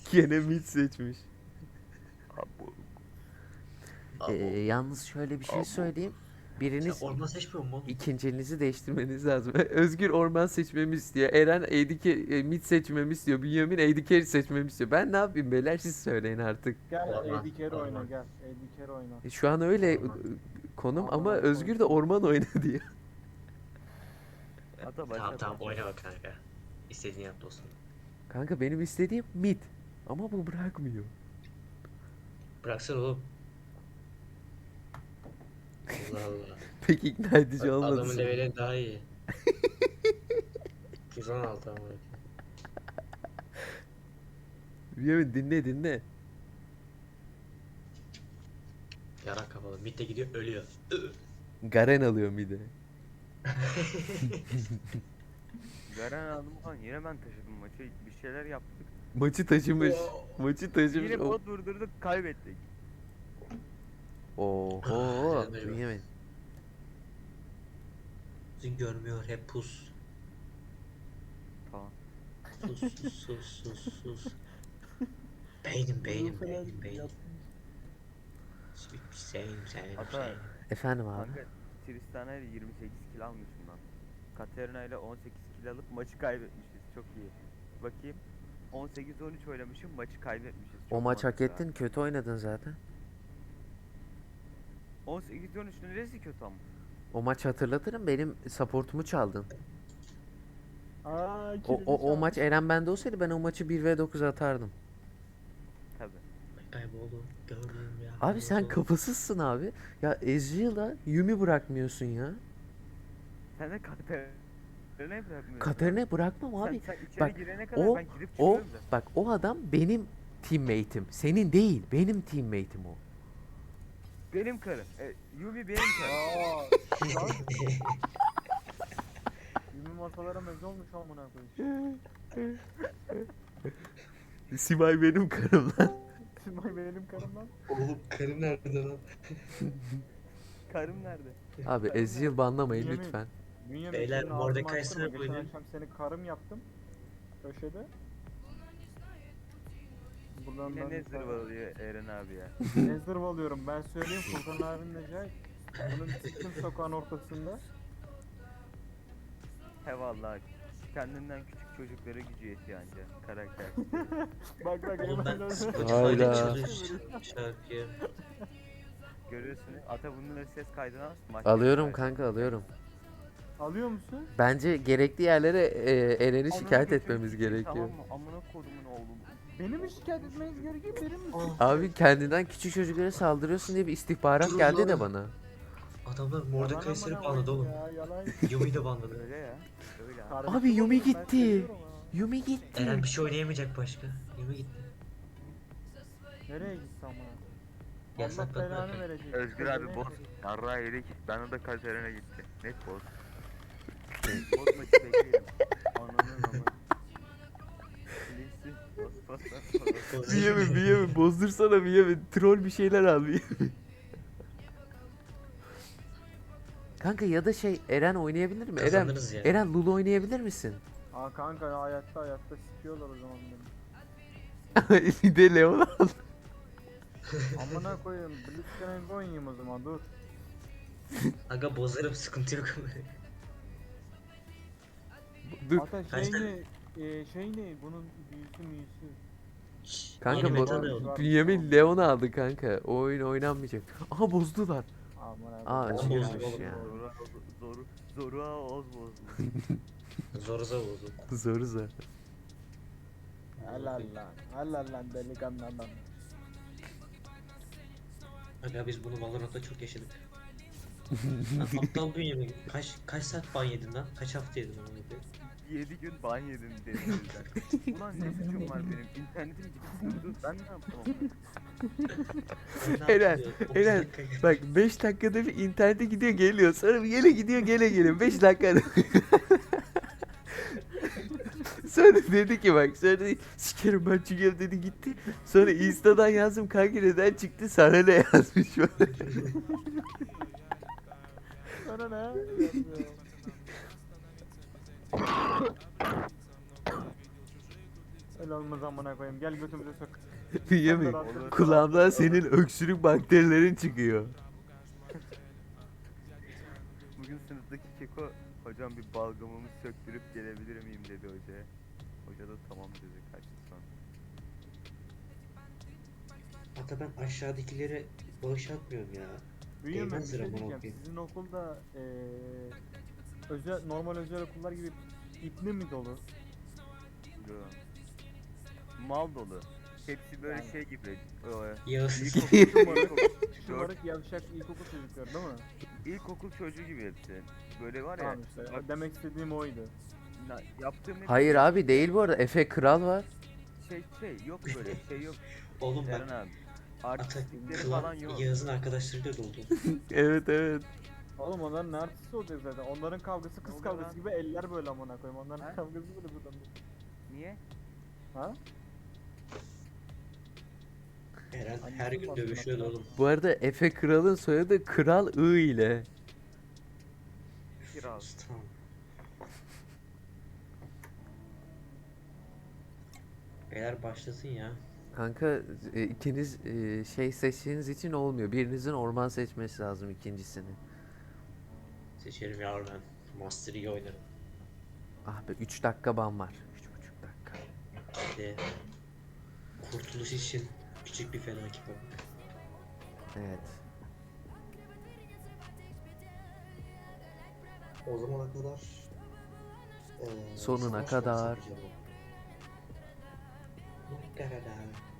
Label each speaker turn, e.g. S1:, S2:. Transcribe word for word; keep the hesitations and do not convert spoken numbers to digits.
S1: Gene mid seçmiş.
S2: Abo.
S1: Ee,
S3: Abo.
S1: yalnız şöyle bir şey
S2: Abo.
S1: söyleyeyim.
S3: Sen
S1: Biriniz
S3: orman seçmiyor musun oğlum?
S1: ikincinizi değiştirmeniz lazım. Özgür orman seçmemi istiyor. Eren A D Carry, e, mid seçmemi istiyor. Bünyamin A D Carry seçmemi istiyor. Ben ne yapayım beyler, siz söyleyin artık.
S4: Gel
S3: Orman,
S4: A D Carry oyna
S3: orman.
S4: gel. A D Carry oyna.
S1: E, Şu an öyle
S3: Orman.
S1: e, konum
S4: Orman
S1: ama
S4: oyna,
S1: Özgür de orman oyna diyor.
S2: Ata başla.
S3: Tamam tamam
S2: başla.
S3: oyna bak kanka. İstediğini yap dostum.
S1: Kanka benim istediğim mid. Ama bu bırakmıyor.
S3: Bıraksana oğlum. Allah Allah.
S1: Pek ikna edici olmadı.
S3: Adamın
S1: sanırım.
S3: leveli daha iyi. yüz on altı ama.
S1: Bünyamin dinle dinle.
S3: Yarak kapalı. Mid de gidiyor ölüyor.
S1: Garen alıyor mid'e.
S2: Garen aldım falan yine ben taşıdım maçı. Bir şeyler yaptık.
S1: Maçı taşımış. Maçı taşımış.
S2: Yine
S1: O-
S2: bot durdurduk kaybettik.
S1: Oho.
S3: Canım benim.
S1: Bünyamin.
S3: Bizi görmüyor hep pus.
S2: Tamam.
S3: Sus sus sus sus sus. Beynim beynim beynim beynim. Sevim sevim
S2: Ata
S3: sevim.
S1: Efendim abi.
S2: kanka Tristana ile yirmi sekiz kill almışım lan. Katerina ile on sekiz kill alıp maçı kaybetmişiz. Çok iyi. Bakayım. on sekiz on üç oynamışım maçı kaybetmişiz.
S1: O
S2: Çok
S1: maç hak
S2: mantıklı ha.
S1: ettin. Kötü oynadın zaten.
S2: on sekiz on üç neresi kötü ama?
S1: O maç hatırlatırım. Benim supportumu çaldın.
S4: Aa,
S1: O, o, o maç Eren bende olsaydı ben o maçı bir ve dokuz atardım.
S2: Tabi.
S3: Kayboldu. Gördüm ya.
S1: Abi sen kafasızsın abi. Ya Ezreal'a Yumi bırakmıyorsun ya.
S2: Sen de Katerina'yı bırakmıyorsun.
S1: Katerina'yı bırakmam
S2: Sen-
S1: abi.
S2: Sen, içeri
S1: Bak,
S2: girene kadar
S1: o-
S2: ben girip
S1: O
S2: çıkıyorum da.
S1: bak o adam benim teammate'im. Senin değil. Benim teammate'im o.
S2: Benim karım. E, Yumi benim karım.
S4: Aa, lan. Yumi masalara meze olmuş amına koyayım.
S1: Simay benim karım lan.
S4: Simay benim karım lan.
S3: Oğlum karım nerede lan?
S2: Karım nerede?
S1: Abi Ezreal banlamayın
S4: Yemin-
S1: lütfen.
S4: Bünyamin
S3: Beyler,
S4: senin
S3: Mordecai
S4: ağzını açtırma.
S3: Snap
S4: Geçen
S3: oynayın.
S4: akşam seni karım yaptım. Köşede. Buradan
S2: Yine
S4: ben
S2: ne zırvalıyor Eren abi ya.
S4: ne zırvalıyorum ben söyleyeyim Furkan abinin Necai. Bunun çıktım sokağın ortasında.
S2: He vallahi. Kendinden küçük çocuklara gücü yetiyor anca karakter.
S4: Bak bak
S3: Oğlum
S4: hemen
S3: ben
S4: öyle.
S3: Spotify'da
S1: Hayda.
S3: çalıyorum şarkıyı.
S2: Görüyorsun. Ata bunları ses kaydına al. maç
S1: Alıyorum
S2: kaydı.
S1: kanka alıyorum.
S4: Alıyor musun?
S1: Bence gerekli yerlere e, Eren'i
S2: Amına
S1: şikayet
S2: götürün
S1: etmemiz
S2: sikeyim,
S1: gerekiyor.
S2: Tamam mı? Amına kodumun oğlum.
S4: Beni mi şikayet etmeniz gerekiyor benim mi?
S1: Abi kendinden küçük çocuklara saldırıyorsun diye bir istihbarat
S3: Durun
S1: geldi
S3: lan.
S1: de bana.
S3: Adamlar
S4: Yalan
S3: Mordecai Snap
S4: amına
S3: banladı oğlum.
S4: koyayım ya, yalan.
S3: Yumi'yi de banladı.
S2: Öyle ya. Öyle abi.
S4: Kardeşim
S1: Abi Yumi
S4: oğlum, ben
S1: gitti.
S4: seviyorum ha.
S1: Yumi gitti.
S3: Eren bir şey oynayamayacak başka. Yumi gitti.
S4: Nereye gitsem ha? Allah
S3: Yasakladılar
S4: belanı
S3: kanka.
S4: verecek.
S2: Özgür
S4: Kızı
S2: abi
S4: neyse.
S2: boz. Yarrağı yedik. Ben de Katerina gitti. Net boz. Boz maçı bekleyelim. Ananın ama. Linsi. Boz boz boz. boz.
S1: Bünyamin Bünyamin bozdursana Bünyamin. Troll bir şeyler al Bünyamin. Kanka ya da şey Eren oynayabilir mi? Eren,
S3: Kazanırız ya.
S1: Eren Lulu oynayabilir misin?
S4: Aa kanka hayatta hayatta sikiyorlar o zaman beni.
S1: Bir de Leon al.
S4: Amına koyayım. Blitzcrank oynayayım o zaman dur.
S3: Aga bozarım sıkıntı yok.
S1: Dur.
S4: Hatta
S3: Kaç
S4: şey
S3: tane-
S4: ne? E, şey ne? Bunun büyüsü müyüsü.
S1: Kanka
S3: Yeni
S1: bu
S3: meta da yok.
S1: Bünyamin Leon aldı kanka. O oyun oynanmayacak. Aha bozdular.
S4: Amına
S1: Aa
S4: koyayım.
S1: acıyormuş
S3: bozdu,
S1: ya.
S2: Zorua zoru zorua oz bozdu.
S3: Zoruza bozdu.
S1: Zor zor.
S4: Helal lan. Helal lan delikanlı adam.
S3: Aga biz bunu Valorant'ta çok yaşadık. Lan aptal bünyemi. Kaç kaç saat ban yedin lan? Kaç hafta yedin onu?
S2: yedi gün ban yedim dedim o yüzden. Ulan ne suçum var benim? İnternetim gitti durdu. Ben ne yaptım ama?
S1: Eren, Eren. Bak beş dakikada bir internete gidiyor geliyor. Sonra bir gele gidiyor gele geliyor. beş dakikada. Sonra dedi ki bak sonra dedi, sikerim ben çıkıyorum dedi gitti. Sonra Insta'dan yazdım kanka neden çıktı sana ne yazmış böyle.
S4: Sana ne? Öyle olmaz amına koyayım. Gel götümüze sok.
S1: Bünyamin
S2: Olur.
S1: kulağımdan senin öksürük bakterilerin çıkıyor.
S2: Bugün sınıftaki keko hocam bir balgamımı söktürüp gelebilir miyim dedi hocaya. Hoca da tamam dedi, kaçtı sonra.
S3: Hatta ben aşağıdakilere bağış atmıyorum ya.
S4: Büyüyorum ben bir
S3: Değmez
S4: şey
S3: lira amına
S4: diyeceğim.
S3: koyayım.
S4: Sizin okulda eee özel normal özel okullar gibi ipli mi dolu?
S2: Yo. Mal dolu. Hepsi böyle
S4: Yani.
S2: şey gibi. e,
S3: Yağız.
S2: İlkokul,
S4: Şımarık,
S2: ilkokul,
S4: şımarık yavşak ilkokul çocukları değil mi?
S2: ilkokul çocuğu gibi hepsi. Böyle var ya.
S4: Tamam işte.
S2: bak,
S4: Demek istediğim oydu.
S2: na- yaptığım hep
S1: Hayır
S2: şey-
S1: abi değil bu arada. Efe Kral var.
S2: Şey şey yok böyle şey yok.
S3: Oğlum bak.
S2: Eren abi.
S3: Ata
S2: Artistlikleri falan
S3: klan
S2: yok.
S3: Yağız'ın arkadaşlarıyla doldu.
S1: Evet evet.
S4: Oğlum onların ne artisti olacak zaten. Onların kavgası kız
S2: oluyor
S4: kavgası
S2: lan?
S4: gibi eller böyle amına koyayım. Onların
S2: Ha?
S4: kavgası böyle buradan.
S2: Niye?
S4: Ha?
S3: Eren
S4: Annesi
S3: her gün
S4: mi
S3: dövüşüyordu
S4: aslında?
S3: oğlum.
S1: Bu arada Efe Kral'ın soyadı Kral I ile.
S2: Kral.
S3: Tamam. Beyler başlasın ya.
S1: Kanka e, ikiniz e, şey seçtiğiniz için olmuyor. Birinizin orman seçmesi lazım ikincisini.
S3: Seçerim yavrum ben. Master iyi oynarım.
S1: Ah be üç dakika ban var. üç buçuk dakika.
S3: Hadi. Kurtuluş için küçük bir felaket bak.
S1: Evet.
S3: O zamana kadar eee,
S1: Sonuna
S3: savaş
S1: kadar.
S3: yapacağım. Sonuna kadar.